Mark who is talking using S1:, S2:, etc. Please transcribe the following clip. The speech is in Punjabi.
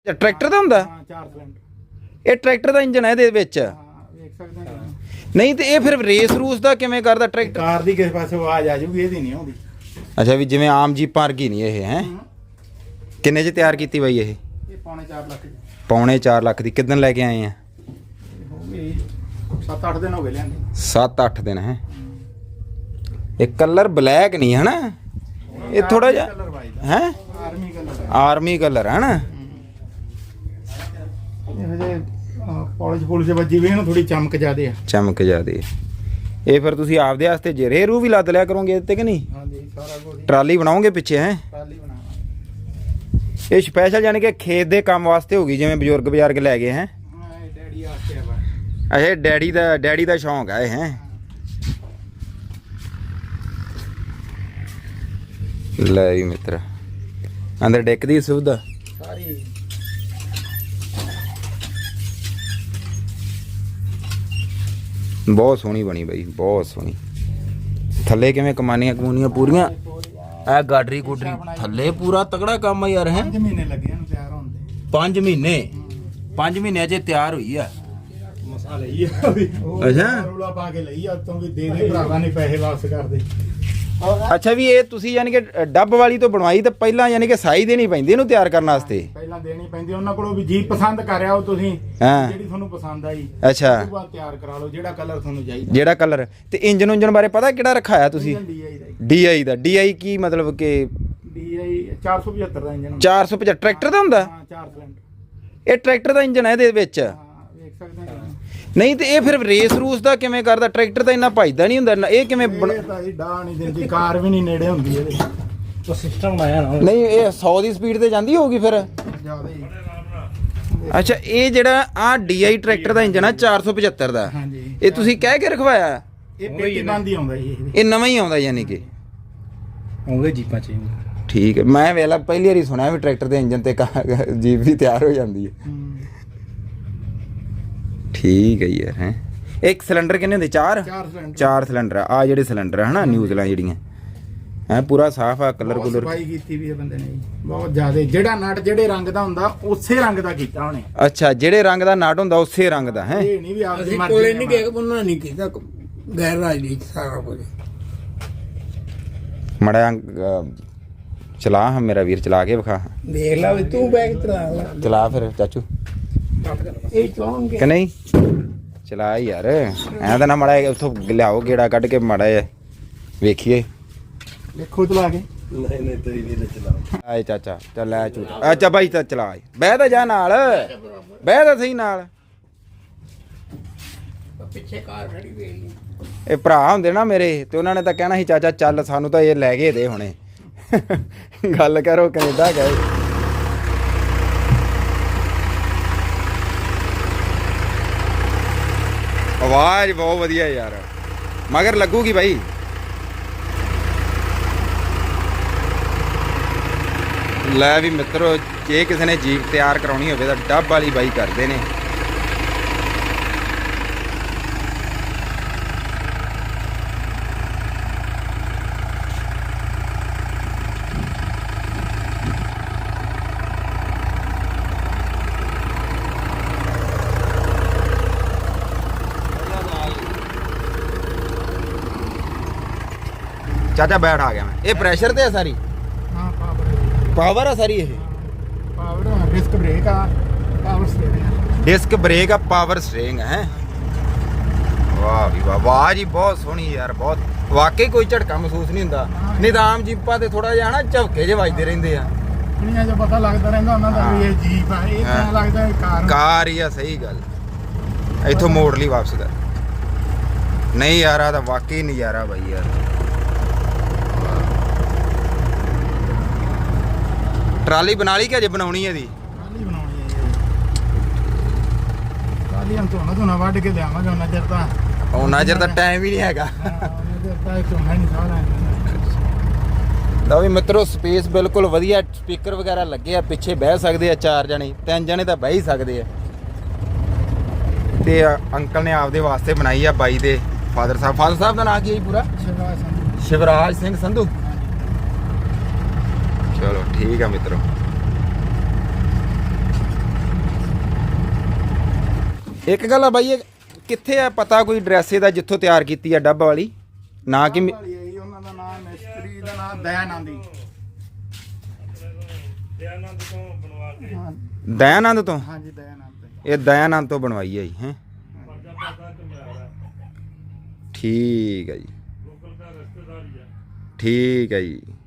S1: ਟਰੈਕਟਰ ਦਾ ਹੁੰਦਾ?
S2: ਹਾਂ 4 ਸਿਲੰਡਰ।
S1: ਇਹ ਟਰੈਕਟਰ ਦਾ ਇੰਜਨ ਹੈ ਇਹਦੇ ਵਿੱਚ?
S2: ਹਾਂ ਵੇਖ ਸਕਦੇ ਹੋ।
S1: ਨਹੀਂ ਤੇ ਇਹ ਫਿਰ ਰੇਸ ਰੂਸ ਦਾ ਕਿਵੇਂ ਕਰਦਾ ਟਰੈਕਟਰ?
S2: ਕਾਰ ਦੀ ਕਿਸੇ ਪਾਸੇ ਆਵਾਜ਼ ਆ ਜੂਗੀ, ਇਹਦੀ ਨਹੀਂ ਆਉਂਦੀ।
S1: ਅੱਛਾ ਵੀ ਜਿਵੇਂ ਆਮ ਜੀਪਾਂ ਵਰਗੀ ਨਹੀਂ ਇਹ ਹੈ। ਕਿੰਨੇ 'ਚ ਤਿਆਰ ਕੀਤੀ ਬਾਈ ਇਹ?
S2: ਇਹ ਪੌਣੇ 4 ਲੱਖ ਦੀ।
S1: ਪੌਣੇ 4 ਲੱਖ ਦੀ। ਕਿੱਦਣ ਲੈ ਕੇ ਆਏ ਆ?
S2: ਹੋ ਗਈ 7-8 ਦਿਨ ਹੋ ਗਏ ਲਿਆਂਦੇ।
S1: 7-8 ਦਿਨ ਹੈ। ਇਹ ਕਲਰ ਬਲੈਕ ਨਹੀਂ ਹੈ ਨਾ, ਇਹ ਥੋੜਾ ਜਿਹਾ ਹੈ
S2: ਆਰਮੀ ਕਲਰ।
S1: ਆਰਮੀ ਕਲਰ ਹੈ ਨਾ।
S2: ਇਹੋ ਜਿਹੇ ਪਾਲਿਸ਼ ਪੁਲਿਸ਼ ਵੱਜੀ ਵੀ ਇਹਨੂੰ ਥੋੜੀ ਚਮਕ ਜ਼ਿਆਦੇ ਆ।
S1: ਚਮਕ ਜਾਦੀ। ਇਹ ਫਿਰ ਤੁਸੀਂ ਆਪਦੇ ਵਾਸਤੇ ਜਰੇ ਰੂ ਵੀ ਲੱਦ ਲਿਆ ਕਰੋਗੇ ਇੱਥੇ ਕਿ ਨਹੀਂ?
S2: ਹਾਂਜੀ ਸਾਰਾ ਕੁਝ।
S1: ਟਰਾਲੀ ਬਣਾਓਗੇ ਪਿੱਛੇ ਹੈ?
S2: ਟਰਾਲੀ ਬਣਾਵਾਂਗੇ।
S1: ਇਹ ਸਪੈਸ਼ਲ ਯਾਨੀ ਕਿ ਖੇਤ ਦੇ ਕੰਮ ਵਾਸਤੇ ਹੋਗੀ, ਜਿਵੇਂ ਬਜ਼ੁਰਗ ਬਜ਼ਾਰਗ ਲੈ ਗਏ ਹੈ?
S2: ਹਾਂ ਇਹ ਡੈਡੀ ਆਸਤੇ ਆ ਵਾ।
S1: ਅੱਛਾ ਡੈਡੀ ਦਾ ਸ਼ੌਂਕ ਹੈ ਇਹ ਹੈ? ਲੈ ਵੀ ਮਿੱਤਰ ਅੰਦਰ ਡੈਕ ਦੀ ਸੁਵਿਧਾ
S2: ਸਾਰੀ।
S1: ਬਹੁਤ ਸੋਹਣੀ ਬਣੀ ਬਾਈ, ਬਹੁਤ ਸੋਹਣੀ। ਥੱਲੇ ਕਿਵੇਂ ਕਮਾਨੀਆਂ ਪੂਰੀਆਂ? ਇਹ ਗਾਡਰੀ ਗੁਡਰੀ ਥੱਲੇ ਪੂਰਾ ਤਗੜਾ ਕੰਮ ਆ ਯਾਰ ਹੈ।
S2: 5 ਮਹੀਨੇ ਲੱਗੇ ਇਹਨੂੰ ਤਿਆਰ ਹੋਣ ਦੇ।
S1: 5 ਮਹੀਨੇ? 5 ਮਹੀਨਿਆਂ 'ਚ ਤਿਆਰ ਹੋਈ ਆ?
S2: ਮਸਾ ਲਈ ਆ।
S1: ਅੱਛਾ
S2: ਰੌਲਾ ਪਾ ਕੇ ਲਈ ਆ ਉਤੋਂ ਵੀ ਦੇ ਭਰਾਵਾਂ ਨੇ ਪੈਸੇ ਵਾਪਸ ਕਰ ਦੇ।
S1: ਅੱਛਾ ਵੀ ਇਹ ਤੁਸੀਂ ਯਾਨੀ ਕਿ ਡੱਬ ਵਾਲੀ ਤੋਂ ਬਣਵਾਈ ਤਾਂ ਪਹਿਲਾਂ ਯਾਨੀ ਕਿ ਸਾਈ ਦੇਣੀ ਪੈਂਦੀ ਇਹਨੂੰ ਤਿਆਰ ਕਰਨ ਵਾਸਤੇ?
S2: ਪਹਿਲਾਂ ਦੇਣੀ ਪੈਂਦੀ ਉਹਨਾਂ ਕੋਲੋਂ ਵੀ ਜੀ ਪਸੰਦ ਕਰਿਆ ਉਹ ਤੁਸੀਂ,
S1: ਹਾਂ
S2: ਜਿਹੜੀ ਤੁਹਾਨੂੰ ਪਸੰਦ ਆਈ
S1: ਅੱਛਾ
S2: ਉਹ ਬਾਅਦ ਤਿਆਰ ਕਰਾ ਲਓ ਜਿਹੜਾ ਕਲਰ ਤੁਹਾਨੂੰ ਚਾਹੀਦਾ।
S1: ਜਿਹੜਾ ਕਲਰ। ਤੇ ਇੰਜਨ ਉਂਜਨ ਬਾਰੇ ਪਤਾ ਕਿਹੜਾ ਰਖਾਇਆ ਤੁਸੀਂ? DI ਦਾ। DI ਕੀ ਮਤਲਬ ਕਿ?
S2: DI 475 ਦਾ ਇੰਜਨ।
S1: 475 ਟਰੈਕਟਰ ਦਾ ਹੁੰਦਾ?
S2: ਹਾਂ 4 ਸਿਲੰਡਰ।
S1: ਇਹ ਟਰੈਕਟਰ ਦਾ ਇੰਜਨ ਹੈ ਇਹਦੇ ਵਿੱਚ?
S2: ਹਾਂ ਵੇਖ ਸਕਦੇ ਹੋ।
S1: ਨਹੀਂ ਤੇ ਇਹ ਫਿਰ ਰੇਸ ਰੂਸ ਦਾ ਕਿਵੇਂ ਕਰਦਾ? ਟਰੈਕਟਰ ਤਾਂ ਇੰਨਾ ਭਜਦਾ ਨਹੀਂ ਹੁੰਦਾ ਇਹ ਕਿਵੇਂ
S2: ਇਹ ਤਾਂ ਜੀ ਡਾਹ ਨਹੀਂ ਦਿੰਦੀ, ਕਾਰ ਵੀ ਨਹੀਂ ਨੇੜੇ ਹੁੰਦੀ ਇਹਦੇ। ਉਹ ਸਿਸਟਮ ਆਇਆ ਨਾ।
S1: ਨਹੀਂ ਇਹ 100 ਦੀ ਸਪੀਡ ਤੇ ਜਾਂਦੀ ਹੋਊਗੀ ਫਿਰ?
S2: ਜ਼ਿਆਦਾ ਹੀ।
S1: ਅੱਛਾ ਇਹ ਜਿਹੜਾ ਆ DI ਟਰੈਕਟਰ ਦਾ ਇੰਜਨ ਆ 475 ਦਾ,
S2: ਹਾਂਜੀ
S1: ਇਹ ਤੁਸੀਂ ਕਹਿ ਕੇ ਰਖਵਾਇਆ?
S2: ਇਹ ਪੇਟੀ ਬੰਦ ਹੀ ਆਉਂਦਾ ਜੀ
S1: ਇਹ ਨਵਾਂ ਹੀ ਆਉਂਦਾ ਯਾਨੀ ਕਿ?
S2: ਆਉਂਦੇ ਜੀਪਾਂ ਚ।
S1: ਠੀਕ ਹੈ। ਮੈਂ ਵੇਲਾ ਪਹਿਲੀ ਵਾਰੀ ਸੁਣਿਆ ਵੀ ਟਰੈਕਟਰ ਦੇ ਇੰਜਨ ਤੇ ਜੀਪ ਵੀ ਤਿਆਰ ਹੋ ਜਾਂਦੀ ਹੈ। ਠੀਕ ਹੈ ਯਾਰ ਹੈ। ਇੱਕ ਸਿਲੰਡਰ ਕਿੰਨੇ ਹੁੰਦੇ? 4 ਸਿਲੰਡਰ ਆ ਜਿਹੜੇ ਸਿਲੰਡਰ ਹੈ ਹਨਾ ਨਿਊਜ਼ਲਾਂ ਜਿਹੜੀਆਂ ਹੈ। ਪੂਰਾ ਸਾਫ ਆ ਕਲਰ ਕੁਲਰ
S2: ਸਫਾਈ ਕੀਤੀ ਵੀ ਹੈ ਬੰਦੇ ਨੇ ਬਹੁਤ ਜ਼ਿਆਦਾ। ਜਿਹੜਾ ਨਟ ਜਿਹੜੇ ਰੰਗ ਦਾ ਹੁੰਦਾ ਉਸੇ ਰੰਗ ਦਾ ਕੀਤਾ ਉਹਨੇ।
S1: ਅੱਛਾ ਜਿਹੜੇ ਰੰਗ ਦਾ ਨਟ ਹੁੰਦਾ ਉਸੇ ਰੰਗ ਦਾ ਹੈ?
S2: ਇਹ ਨਹੀਂ ਵੀ ਆਪਦੀ ਮਰਜ਼ੀ
S3: ਕੋਲੇ ਨਹੀਂ ਗਿਆ ਉਹਨਾਂ ਨਹੀਂ ਕੀਤਾ ਗੈਰ ਰਾਜਨੀਤੀ ਸਾਰਾ ਕੁਝ।
S1: ਮੜਾ ਚਲਾ ਹਾਂ ਮੇਰਾ ਵੀਰ, ਚਲਾ ਕੇ ਵਿਖਾ।
S3: ਦੇਖ ਲਾ ਵੀ ਤੂੰ ਬੈਗ
S1: ਚਲਾ ਫਿਰ ਚਾਚੂ
S3: ਇਹ ਚਲਾਉਣਗੇ
S1: ਕਿ ਨਹੀਂ? ਚਲਾ ਯਾਰ ਐਂ ਤਾਂ ਨਾ ਮੜਾ ਉੱਥੋਂ ਲਿਆਓ ਗੇੜਾ ਕੱਢ ਕੇ ਮੜਾ ਵੇਖੀਏ।
S2: ਦੇਖੋ ਚਲਾ ਕੇ।
S3: ਨਹੀਂ ਤੇਰੀ ਵੀ ਚਲਾ।
S1: ਆਏ ਚਾਚਾ ਚੱਲ ਲੈ ਝੂਟਾ। ਅੱਛਾ ਬਾਈ ਤਾਂ ਚਲਾ ਬਹਿ ਤਾਂ ਜਾ ਨਾਲ, ਬਹਿ ਤਾਂ ਸਹੀ ਨਾਲ।
S3: ਪਿੱਛੇ ਕਾਰ ਖੜੀ ਵੇਲੀ।
S1: ਇਹ ਭਰਾ ਹੁੰਦੇ ਨਾ ਮੇਰੇ ਤੇ ਉਹਨਾਂ ਨੇ ਤਾਂ ਕਹਿਣਾ ਸੀ ਚਾਚਾ ਚੱਲ ਸਾਨੂੰ ਤਾਂ ਇਹ ਲੈ ਕੇ ਦੇ ਹੁਣੇ। ਗੱਲ ਕਰੋ ਕੈਨੇਡਾ ਗਏ। ਆਵਾਜ਼ ਬਹੁਤ ਵਧੀਆ ਯਾਰ, ਮਗਰ ਲੱਗੂਗੀ ਬਾਈ। ਲੈ ਵੀ ਮਿੱਤਰੋ ਜੇ ਕਿਸੇ ਨੇ ਜੀਪ ਤਿਆਰ ਕਰਾਉਣੀ ਹੋਵੇ ਤਾਂ ਡੱਬ ਵਾਲੀ ਬਾਈ ਕਰਦੇ ਨੇ। ਚਾਚਾ ਬੈਠ ਆ ਗਿਆ ਮੈਂ। ਇਹ ਪ੍ਰੈਸ਼ਰ ਤੇ ਹੈ ਸਾਰੀ?
S2: ਹਾਂ
S1: ਪਾਵਰ ਆ ਸਾਰੀ? ਇਹ
S2: ਪਾਵਰ ਡਿਸਕ ਬ੍ਰੇਕ ਆ, ਪਾਵਰ ਸਟੀਅਰਿੰਗ।
S1: ਡਿਸਕ ਬ੍ਰੇਕ ਆ, ਪਾਵਰ ਸਟੀਅਰਿੰਗ ਹੈ। ਵਾਹ ਵੀ ਵਾਹ, ਆਵਾਜ਼ ਹੀ ਬਹੁਤ ਸੋਹਣੀ ਯਾਰ, ਬਹੁਤ ਵਾਕਈ ਕੋਈ ਝਟਕਾ ਮਹਿਸੂਸ ਨਹੀਂ ਹੁੰਦਾ। ਨਿਦਾਮ ਜੀਪਾਂ ਤੇ ਥੋੜਾ ਜਿਹਾ ਨਾ ਝਵਕੇ ਜਿਹੇ ਵੱਜਦੇ ਰਹਿੰਦੇ ਆ।
S2: ਦੁਨੀਆ 'ਚ ਪਤਾ ਲੱਗਦਾ ਰਹਿੰਦਾ ਉਹਨਾਂ ਦਾ ਵੀ ਇਹ ਜੀਪ ਆ। ਇਹ ਤਾਂ ਲੱਗਦਾ
S1: ਕਾਰ ਹੀ ਆ। ਸਹੀ ਗੱਲ। ਇੱਥੋਂ ਮੋੜ ਲਈ ਵਾਪਸ ਕਰ। ਨਹੀਂ ਯਾਰ ਆ ਤਾਂ ਵਾਕਈ ਨਜ਼ਾਰਾ ਬਾਈ ਯਾਰ। ਟਰਾਲੀ ਬਣਾ ਲਈ ਕਿ ਅਜੇ ਬਣਾਉਣੀ ਹੈ ਦੀ?
S2: ਟਰਾਲੀ ਬਣਾਉਣੀ ਹੈ ਜੀ। ਟਰਾਲੀ ਹਮ ਝੋਨਾ ਵੱਢ ਕੇ ਲਿਆਵਾਂਗੇ ਉਹਨਾਂ ਚਿਰ ਤਾਂ।
S1: ਉਹਨਾਂ ਚਿਰ ਤਾਂ ਟਾਈਮ ਹੀ ਨਹੀਂ ਹੈਗਾ।
S2: ਝੋਨਾ ਨਹੀਂ ਸਾਹ ਲੈਣਾ।
S1: ਲਓ ਵੀ ਮਿੱਤਰੋ ਸਪੇਸ ਬਿਲਕੁਲ ਵਧੀਆ, ਸਪੀਕਰ ਵਗੈਰਾ ਲੱਗੇ ਆ, ਪਿੱਛੇ ਬਹਿ ਸਕਦੇ ਆ 4 ਜਣੇ, 3 ਜਣੇ ਤਾਂ ਬਹਿ ਹੀ ਸਕਦੇ ਆ। ਤੇ ਅੰਕਲ ਨੇ ਆਪਦੇ ਵਾਸਤੇ ਬਣਾਈ ਆ ਬਾਈ ਦੇ ਫਾਦਰ ਸਾਹਿਬ ਦਾ ਨਾਂ ਕੀ ਹੈ ਜੀ ਪੂਰਾ? ਸ਼ਿਵਰਾਜ ਸਿੰਘ ਸੰਧੂ। ਚਲੋ ਠੀਕ ਆ ਮਿੱਤਰੋ। ਇੱਕ ਗੱਲ ਆ ਬਾਈ, ਇਹ ਕਿੱਥੇ ਆ ਪਤਾ ਕੋਈ ਐਡਰੈਸ ਇਹਦਾ ਜਿੱਥੋਂ ਤਿਆਰ ਕੀਤੀ ਆ ਡੱਬ ਵਾਲੀ? ਨਾ ਕਿ
S2: ਵਾਲੀ ਹੈ ਜੀ, ਉਹਨਾਂ ਦਾ ਨਾਮ ਮਿਸਤਰੀ ਦਾ ਨਾਮ ਦਇਆਨੰਦੀ। ਹਾਂ
S1: ਦਇਆਨੰਦ ਤੋਂ?
S2: ਹਾਂਜੀ ਦਇਆਨੰਦ।
S1: ਇਹ ਦਇਆਨੰਦ ਤੋਂ ਬਣਵਾਈ ਹੈ ਜੀ ਹੈ। ਠੀਕ ਹੈ ਜੀ, ਠੀਕ ਹੈ ਜੀ।